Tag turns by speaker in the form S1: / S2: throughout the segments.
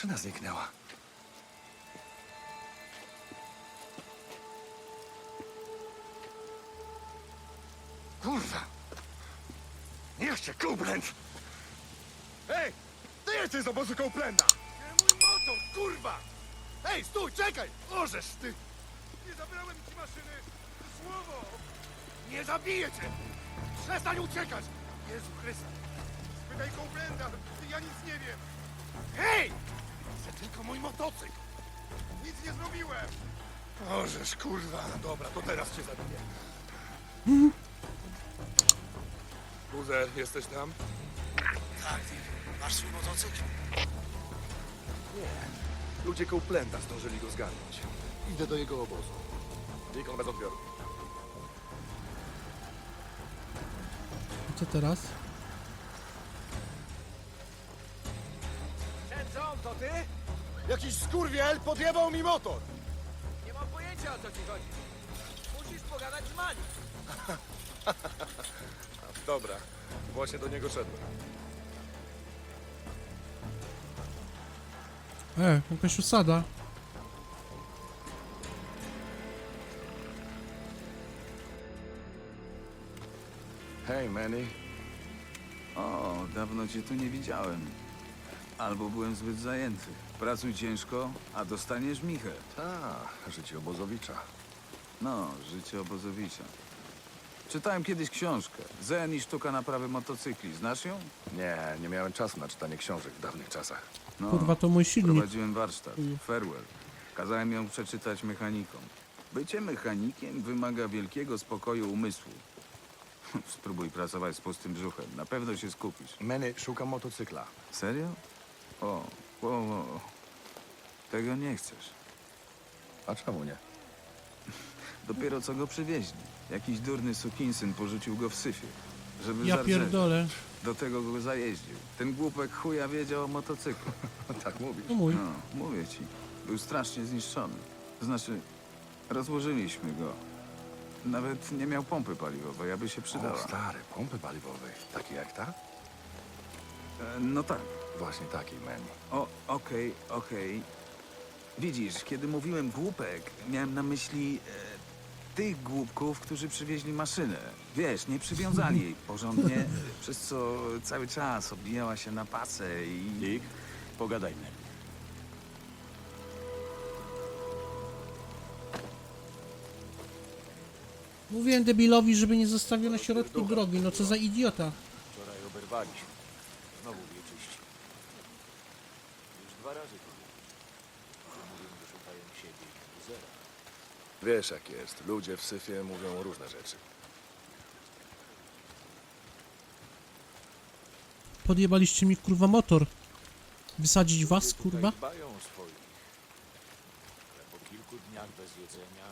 S1: maszyna zniknęła. Kurwa! Niech cię Copeland! Hej! Ty jesteś z obozu Copeplanda! Nie mój motor, kurwa! Hej, stój, czekaj! Możesz ty! Nie zabrałem ci maszyny! Słowo! Nie zabiję cię! Przestań uciekać! Jezu Chryste! Spytaj Copeplanda! Ja nic nie wiem! Hej! Chcę tylko mój motocykl! Nic nie zrobiłem! Możesz, kurwa! Dobra, to teraz cię zabiję. Buzer, jesteś tam?
S2: Tak, masz swój motocykl?
S1: Nie. Ludzie Copeplanda zdążyli go zgarnąć. Idę do jego obozu. Deacon bez odbioru.
S3: Co teraz?
S4: Senzon, to ty?
S1: Jakiś skurwiel podjebał mi motor!
S4: Nie mam pojęcia, o co ci chodzi. Musisz pogadać z Mani.
S1: Dobra, właśnie do niego szedłem.
S3: Jakaś usada.
S1: Hej, Manny.
S5: O, dawno cię tu nie widziałem. Albo byłem zbyt zajęty. Pracuj ciężko, a dostaniesz michę.
S1: Ta, życie obozowicza.
S5: No, życie obozowicza. Czytałem kiedyś książkę. Zen i sztuka naprawy motocykli. Znasz ją?
S1: Nie miałem czasu na czytanie książek w dawnych czasach.
S5: No,
S3: Kurwa, to mój silnik.
S5: prowadziłem warsztat. Farewell. Kazałem ją przeczytać mechanikom. Bycie mechanikiem wymaga wielkiego spokoju umysłu. Spróbuj pracować z pustym brzuchem. Na pewno się skupisz.
S1: Manny, szukam motocykla.
S5: Serio? O. Tego nie chcesz.
S1: A czemu nie?
S5: Dopiero co go przywieźli. Jakiś durny sukinsyn porzucił go w syfie. Żeby
S3: Ja
S5: zardzewieć.
S3: pierdolę.
S5: Do tego go zajeździł. Ten głupek chuja wiedział o motocyklu.
S1: Tak mówisz.
S3: To mój.
S5: No, mówię ci. Był strasznie zniszczony. To znaczy, rozłożyliśmy go. Nawet nie miał pompy paliwowej, aby się
S1: O,
S5: przydała.
S1: stary, pompy paliwowej. Takie jak ta?
S5: No tak.
S1: Właśnie takiej, Manny.
S5: Okej. Widzisz, kiedy mówiłem głupek, miałem na myśli tych głupków, którzy przywieźli maszynę. Wiesz, nie przywiązali jej porządnie, przez co cały czas obijała się na pasę i...
S2: Dick, pogadajmy.
S3: Mówiłem debilowi, żeby nie zostawił na środku drogi. No co za idiota.
S2: Wczoraj oberwaliśmy. Znowu wieczyści. Już 2 razy to było. Mówią, że szukają siebie i Buzera.
S1: Wiesz jak jest. Ludzie w syfie mówią różne rzeczy.
S3: Podjebaliście mi kurwa motor. Wysadzić was
S2: Ludzie tutaj
S3: kurwa?
S2: dbają o swoich. Ale po kilku dniach bez jedzenia...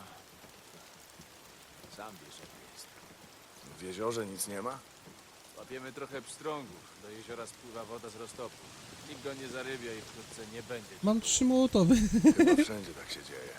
S2: Sam wiesz jak jest.
S1: W jeziorze nic nie ma?
S2: Łapiemy trochę pstrągów. Do jeziora spływa woda z roztopu. Nikt go nie zarybia i wkrótce nie będzie.
S3: Mam 3 mołotowy.
S1: Chyba wszędzie tak się dzieje.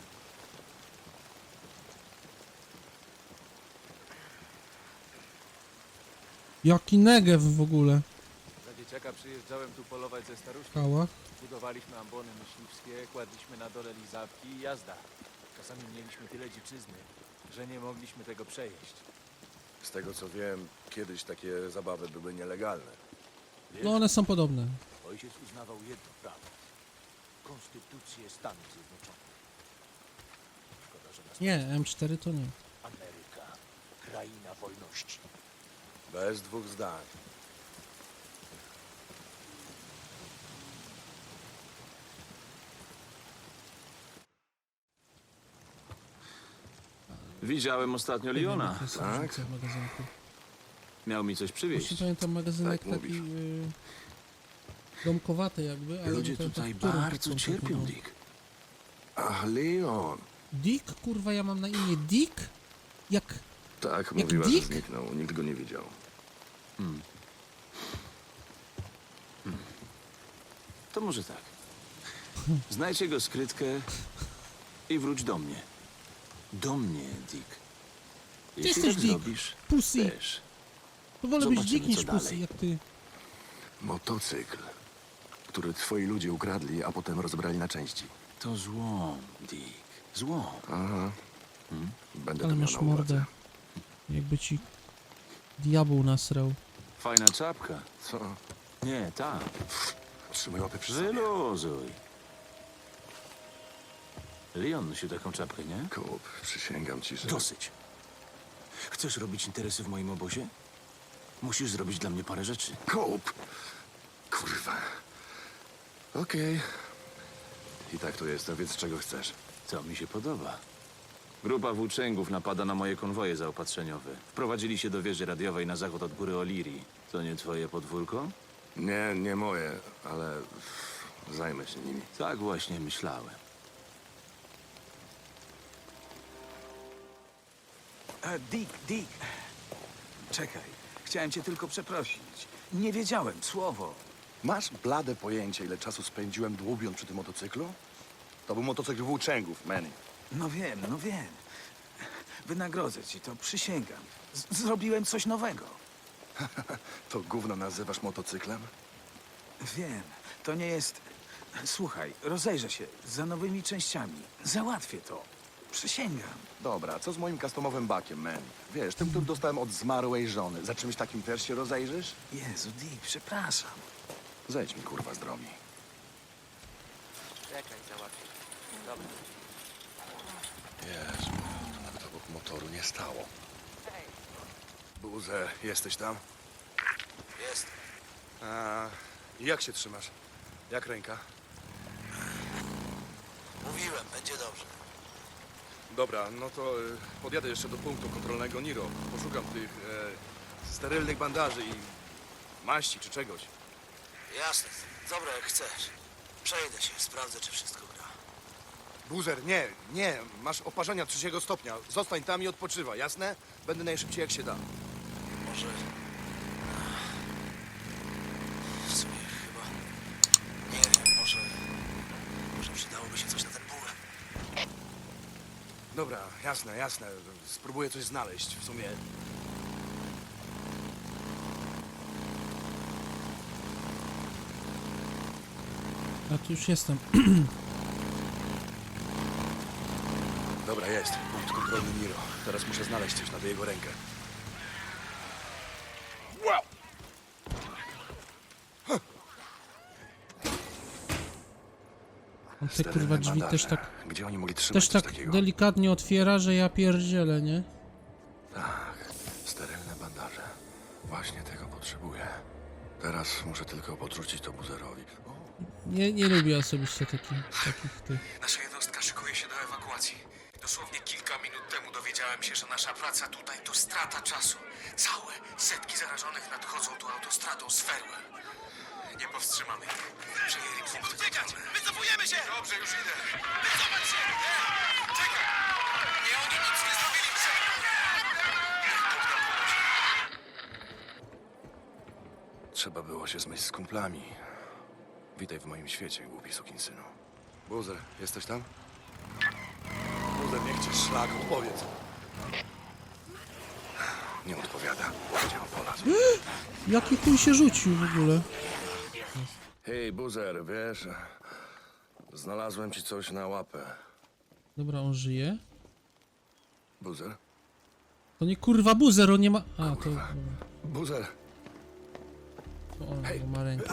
S3: Jaki negew w ogóle.
S2: Za dzieciaka przyjeżdżałem tu polować ze staruszką.
S3: Kała.
S2: Budowaliśmy ambony myśliwskie, kładliśmy na dole lizawki i jazda. Czasami mieliśmy tyle dziczyzny, że nie mogliśmy tego przejeść.
S1: Z tego co wiem, kiedyś takie zabawy były nielegalne.
S2: Wiesz,
S3: No one są podobne.
S2: ojciec uznawał jedno prawo. Konstytucję Stanów Zjednoczonych. Szkoda, że nas
S3: Nie, M4 to nie.
S2: Ameryka, kraina wolności.
S1: Bez dwóch zdań.
S6: Widziałem ostatnio Leona.
S1: Tak?
S3: W magazynku.
S6: Miał mi coś przywieźć.
S3: Właśnie pamiętam magazynek
S1: Tak
S3: taki
S1: mówisz.
S3: domkowaty jakby, ale
S6: Ludzie
S3: nie pamiętam,
S6: tutaj
S3: w którym
S6: bardzo
S3: konkretnie
S6: cierpią,
S3: był.
S6: Dick.
S1: Ach, Leon.
S3: Dick? Kurwa, ja mam na imię Dick? Jak...
S1: Tak,
S3: Jak
S1: mówiła, że
S3: Dick?
S1: zniknął. Nikt go nie widział.
S6: To może tak. Znajdź jego skrytkę i wróć do mnie. Do mnie, Dick.
S3: Ty
S6: Jeśli
S3: jesteś
S6: tak
S3: Dick.
S6: zrobisz,
S3: Pussy.
S6: wiesz,
S3: To wolę być
S6: Zobaczymy,
S3: Dick niż
S6: co
S3: Pussy,
S6: dalej.
S3: jak ty.
S1: Motocykl. który twoi ludzie ukradli, a potem rozbrali na części.
S6: To złom, Dick. Złom.
S1: Aha. Będę
S3: Ale
S1: to miał
S3: masz
S1: na uwadze.
S3: mordę. Jakby ci diabeł nasrał.
S6: Fajna czapka.
S1: Co?
S6: Nie, ta.
S1: Trzymaj łapy przy sobie.
S6: Wyluzuj. Leon nosił taką czapkę, nie?
S1: Kup, przysięgam ci, że...
S6: Dosyć. Chcesz robić interesy w moim obozie? Musisz zrobić dla mnie parę rzeczy.
S1: Kup! Kurwa. Okej. I tak tu jestem, więc czego chcesz?
S6: To mi się podoba. Grupa włóczęgów napada na moje konwoje zaopatrzeniowe. Wprowadzili się do wieży radiowej na zachód od góry O'Leary. To nie twoje podwórko?
S1: Nie, nie moje, ale zajmę się nimi.
S6: Tak właśnie myślałem.
S5: Dick. Czekaj. Chciałem cię tylko przeprosić. Nie wiedziałem, słowo.
S1: Masz blade pojęcie, ile czasu spędziłem dłubiąc przy tym motocyklu? To był motocykl włóczęgów, Manny.
S5: No wiem. Wynagrodzę ci to, przysięgam. Zrobiłem coś nowego.
S1: To gówno nazywasz motocyklem?
S5: Wiem, to nie jest... Słuchaj, rozejrzę się za nowymi częściami. Załatwię to. Przysięgam.
S1: Dobra, co z moim customowym bakiem, man? Wiesz, tym, który dostałem od zmarłej żony. Za czymś takim też się rozejrzysz?
S5: Jezu, Dick, przepraszam.
S1: Zejdź mi, kurwa, z drogi.
S4: Czekaj, załatwię. Dobra.
S1: Jezu, to nawet obok motoru nie stało. Buzer, jesteś tam?
S6: Jest.
S1: A, jak się trzymasz? Jak ręka?
S6: Mówiłem, będzie dobrze.
S1: Dobra, no to podjadę jeszcze do punktu kontrolnego Niro. Poszukam tych sterylnych bandaży i maści czy czegoś.
S7: Jasne. Dobra, jak chcesz. Przejdę się, sprawdzę, czy wszystko gra.
S1: Buzer, nie, masz oparzenia 3 stopnia. Zostań tam i odpoczywaj, jasne? Będę najszybciej jak się da.
S7: Może... W sumie chyba... Nie wiem, może przydałoby się coś na ten ból.
S1: Dobra, jasne. Spróbuję coś znaleźć. W sumie...
S3: A tu już jestem.
S1: Dobra, jest. Punkt kontrolny Niro. Teraz muszę znaleźć coś na tę jego rękę. Wow!
S3: On te kurwa drzwi też tak...
S1: Gdzie oni mogli trzymać
S3: Też
S1: coś
S3: tak
S1: takiego?
S3: delikatnie otwiera, że ja pierdzielę, nie?
S1: Tak, sterylne bandaże. Właśnie tego potrzebuję. Teraz muszę tylko podrzucić to Buzerowi.
S3: Nie lubię osobiście takich tych.
S8: Nasza jednostka szykuje się do ewakuacji. Dosłownie kilka minut temu dowiedziałem się, że nasza praca tutaj to strata czasu. Całe setki zarażonych nadchodzą tu autostradą z Ferłem. Nie powstrzymamy ich. Przejęli punkty kontrolne.
S7: Wycofujemy się!
S8: Dobrze, już idę. Wycofać się! Nie! Czekaj! Nie, oni nic nie zrobili!
S1: Trzeba było się zmyć z kumplami. Witaj w moim świecie, głupi sukinsynu. Buzer, jesteś tam? Buzer, niech cię szlak, odpowiedz. Nie odpowiada. Gdzie on polazł?
S3: Jaki chuj się rzucił w ogóle?
S1: Hej, Buzer, wiesz... Znalazłem ci coś na łapę.
S3: Dobra, on żyje.
S1: Buzer?
S3: To nie kurwa buzer, on nie ma... A, to... Dobra.
S1: Buzer!
S3: To on bo ma rękę.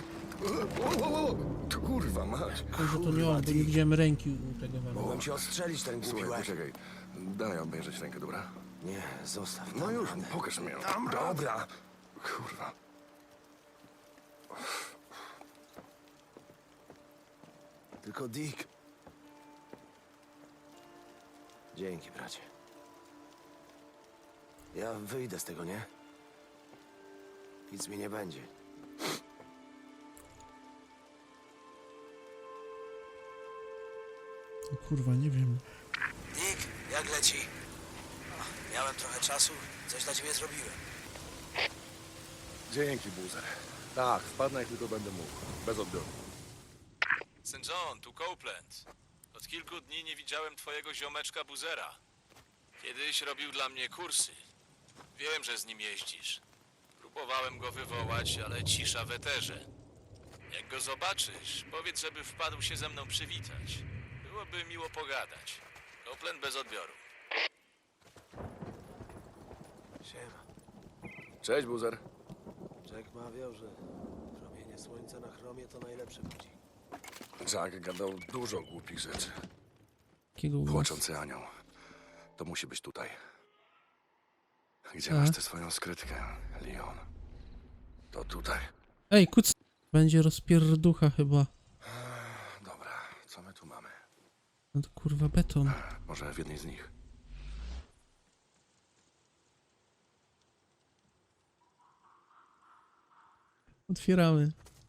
S1: To kurwa mać.
S3: Może to nie on, bo nie widziałem ręki u tego
S7: Mogłem
S3: walora.
S7: cię ostrzelić, ten głupi
S1: Słuchaj,
S7: łeb.
S1: poczekaj. Daj obejrzeć rękę, dobra?
S7: Nie, zostaw.
S1: No już, pokaż mi ją. Dobra. Kurwa.
S7: Tylko Dick. Dzięki, bracie. Ja wyjdę z tego, nie? Nic mi nie będzie.
S3: O kurwa, nie wiem.
S7: Dick, jak leci? Miałem trochę czasu, coś dla ciebie zrobiłem.
S1: Dzięki, Buzer. Tak, wpadnę jak tylko będę mógł. Bez odbioru.
S9: St. John, tu Copeland. Od kilku dni nie widziałem twojego ziomeczka Buzera. Kiedyś robił dla mnie kursy. Wiem, że z nim jeździsz. Próbowałem go wywołać, ale cisza w eterze. Jak go zobaczysz, powiedz, żeby wpadł się ze mną przywitać. Byłoby miło pogadać. Copeland bez odbioru.
S7: Siema.
S1: Cześć, Buzer.
S7: Jack mawiał, że promienie słońca na chromie to najlepszy budzik.
S1: Jack gadał dużo głupich rzeczy.
S3: Jakiego głosu?
S1: Płaczący anioł. To musi być tutaj. Gdzie
S3: A.
S1: masz tę swoją skrytkę, Leon? To tutaj.
S3: Ej, kuc... Będzie rozpierducha chyba.
S1: Dobra, co my tu mamy?
S3: No to kurwa beton.
S1: Może w jednej z nich.
S3: Otwieramy.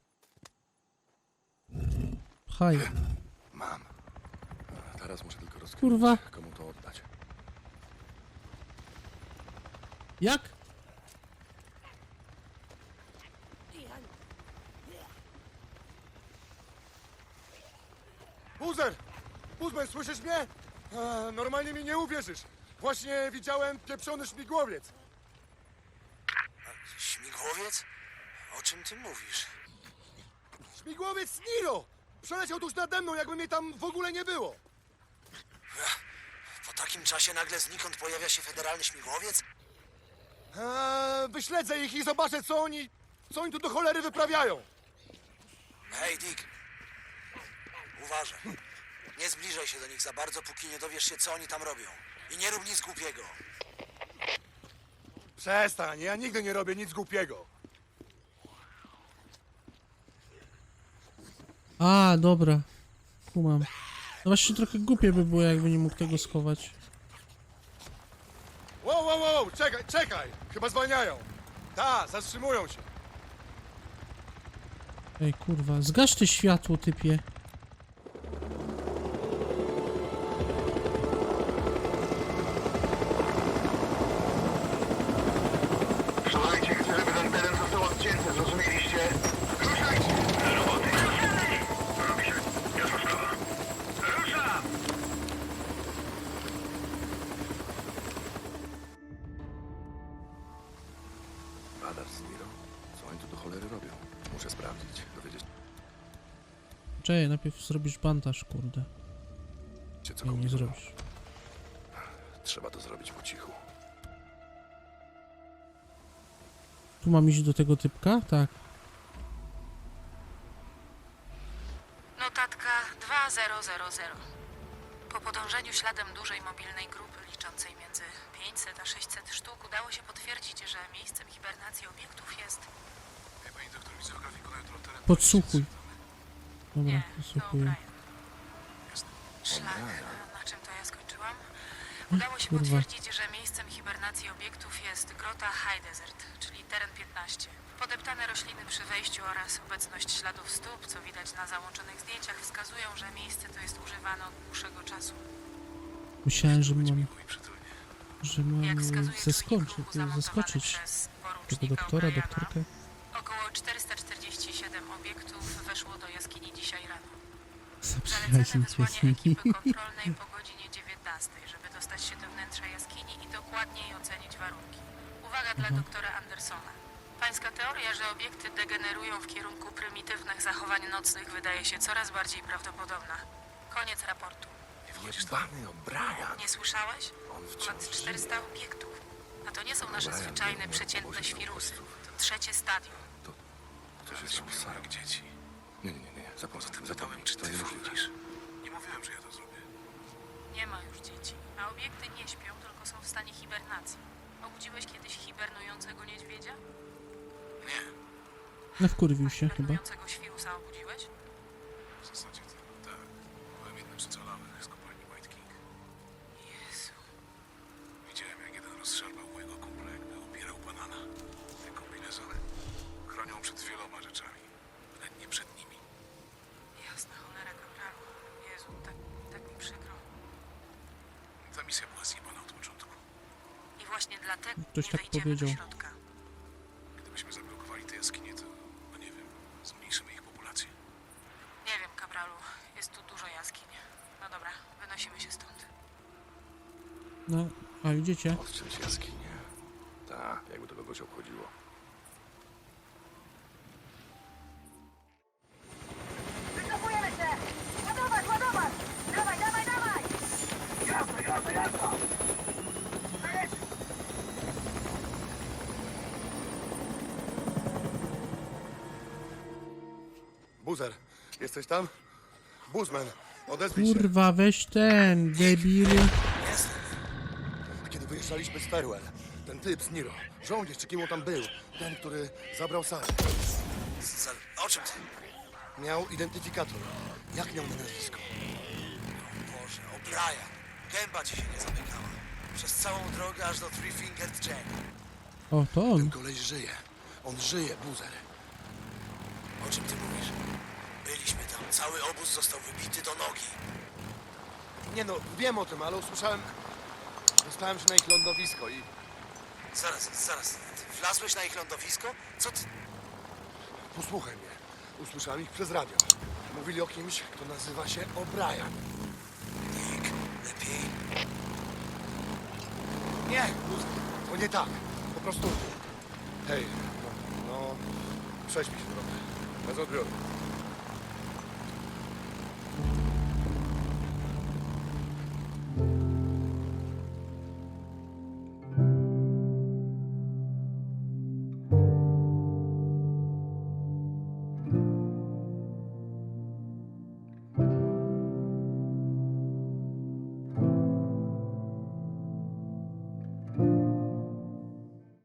S3: Pchaj.
S1: Mam. Teraz muszę tylko rozkminić,
S3: Kurwa.
S1: komu to oddać.
S3: Jak?
S1: Buzer! Buzman, słyszysz mnie? Normalnie mi nie uwierzysz. Właśnie widziałem pieprzony śmigłowiec.
S7: Śmigłowiec? O czym ty mówisz?
S1: Śmigłowiec Niro! Przeleciał tuż nade mną, jakby mnie tam w ogóle nie było.
S7: Po takim czasie nagle znikąd pojawia się federalny śmigłowiec?
S1: Wyśledzę ich i zobaczę, co oni tu do cholery wyprawiają.
S7: Hej, Dick. Uważaj. Nie zbliżaj się do nich za bardzo, póki nie dowiesz się, co oni tam robią. I nie rób nic głupiego.
S1: Przestań, ja nigdy nie robię nic głupiego.
S3: A, dobra. Kumam. No właśnie trochę głupie by było, jakby nie mógł tego schować.
S1: Wow, czekaj! Chyba zwalniają. Ta, zatrzymują się.
S3: Ej, kurwa. Zgasz te światło, typie.
S8: Słuchajcie, chcę, żeby ten teren został odcięty, zrozumieliście? Ruszajcie! Do roboty! Robi się. Jasna sprawa. Rusza!
S1: Radar z Niro? Co oni tu do cholery robią? Muszę sprawdzić, dowiedzieć
S3: Czekaj, najpierw zrobisz bandaż, kurde.
S1: się, co
S3: Nie, nie
S1: kombinują.
S3: zrobisz.
S1: Trzeba to zrobić po cichu.
S3: Tu mam iść do tego typka? Tak.
S10: Notatka 2000. Po podążeniu śladem dużej mobilnej grupy liczącej między 500 a 600 sztuk udało się potwierdzić, że miejscem hibernacji obiektów jest...
S8: Pani doktor, widzę w grafiku na jutro teren.
S3: Podsłuchuj. Dobra,
S10: Nie, to
S3: podsłuchuję.
S10: O'Brien. Szlak, na czym to ja skończyłam? Udało się
S3: Kurwa.
S10: potwierdzić, że miejscem hibernacji obiektów jest grota High Desert, czyli teren 15. Podeptane rośliny przy wejściu oraz obecność śladów stóp, co widać na załączonych zdjęciach, wskazują, że miejsce to jest używane od dłuższego czasu.
S3: Myślałem, że mam
S10: Jak wskazuje czujnik ruchu zamontowany
S3: zaskoczyć
S10: przez
S3: tego
S10: porucznika
S3: doktora,
S10: O'Briena,
S3: doktorkę.
S10: około 447 obiektów weszło do jaskini dzisiaj rano. Zalecane
S3: Zaprzyjaźnić się
S10: wysłanie
S3: z nimi.
S10: ekipy kontrolnej po godzinie 19, żeby dostać się do wnętrza jaskini i dokładniej ocenić warunki. Uwaga dla doktora Andersona. Pańska teoria, że obiekty degenerują w kierunku prymitywnych zachowań nocnych wydaje się coraz bardziej prawdopodobna. Koniec raportu.
S1: Jebany O'Brien.
S10: Nie słyszałeś?
S1: On
S10: Ponad
S1: wciąż
S10: 400 obiektów. A to nie są nasze
S1: O'Brien
S10: zwyczajne,
S1: biegnie
S10: przeciętne
S1: po bosie
S10: świrusy.
S1: naukowców.
S10: To trzecie stadium.
S1: To się stało jak dzieci. Nie. Zapomnij. To nie mówisz.
S8: Nie mówiłem, że ja to zrobię.
S10: Nie ma już dzieci, a obiekty nie śpią, tylko są w stanie hibernacji. Obudziłeś kiedyś hibernującego niedźwiedzia?
S8: Nie.
S3: No wkurwił się chyba.
S10: Hibernującego świrusa obudziłeś?
S8: W zasadzie to tak. Byłem jednym z ocalałych z kopalni White King.
S10: Jezu.
S8: Widziałem, jak jeden rozszarpał mojego kumpla, jakby ubierał banana. Te kombinezony chronią przed wieloma rzeczami. Ale nie przed nimi.
S10: Jasna cholera, kapralu. Jezu, tak mi przykro.
S8: Ta misja była zjebana od początku.
S10: I właśnie dlatego
S3: Ktoś
S10: nie
S3: tak
S10: wejdziemy
S3: powiedział.
S10: do środka.
S8: Gdybyśmy zablokowali te jaskinie, to, no nie wiem, zmniejszymy ich populację.
S10: Nie wiem, kapralu. Jest tu dużo jaskiń. No dobra, wynosimy się stąd.
S3: No, a idziecie?
S1: Odciąć jaskinię. Tak, jakby to kogoś obchodziło. Jesteś tam? Buzman, odezwij się.
S3: Kurwa, weź ten, debil.
S1: Kiedy wyjeżdżaliśmy z Ferwell, ten typ z Niro, żołnierz czy kim on tam był, ten, który zabrał Sarę,
S7: O czym ty?
S1: miał identyfikator. Jak miał na nazwisko?
S7: Boże, O'Brien. Gęba ci się nie zamykała. Przez całą drogę aż do Three Fingered Jack.
S3: O, to on.
S1: Ten koleś żyje. On żyje, Buzer.
S7: O czym ty mówisz? Byliśmy tam. Cały obóz został wybity do nogi.
S1: Nie no, wiem o tym, ale usłyszałem... Dostałem się na ich lądowisko i...
S7: Zaraz. Ty wlazłeś na ich lądowisko? Co ty...
S1: Posłuchaj mnie. Usłyszałem ich przez radio. Mówili o kimś, kto nazywa się O'Brien.
S7: Dick, lepiej.
S1: Nie, Buzer, to nie tak. Po prostu... Hej, no... Prześpij się trochę. Bez odbioru.